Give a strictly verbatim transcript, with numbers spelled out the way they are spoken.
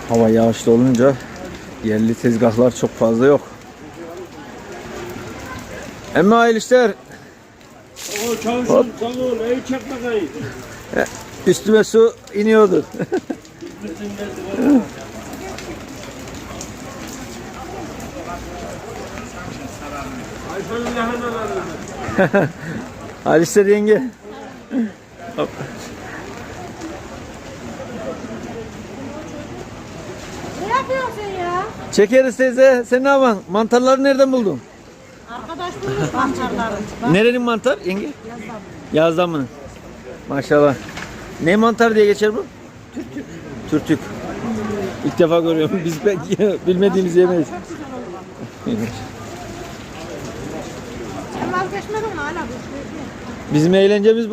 Hava yağışlı olunca yerli tezgahlar çok fazla yok. Emmi hayırlı işler. O çalışın sağ ol. Evi çek bakayım. Üstüme su iniyordu. Ayşe'nin lahanalarını. Hayırlı işler yenge. Hop. Ne yapıyorsun sen ya? Çekeriz teyze. Sen ne yapan? Mantarları nereden buldun? Arkadaş bulmuş mantarları. Nerenin mantar yenge? Yazdan mı? Maşallah. Ne mantar diye geçer bu? Türtük. Türtük. İlk defa görüyorum. Biz pek bilmediğimiz yemeyiz. Sen vazgeçmedin mi hala? Bizim eğlencemiz bu.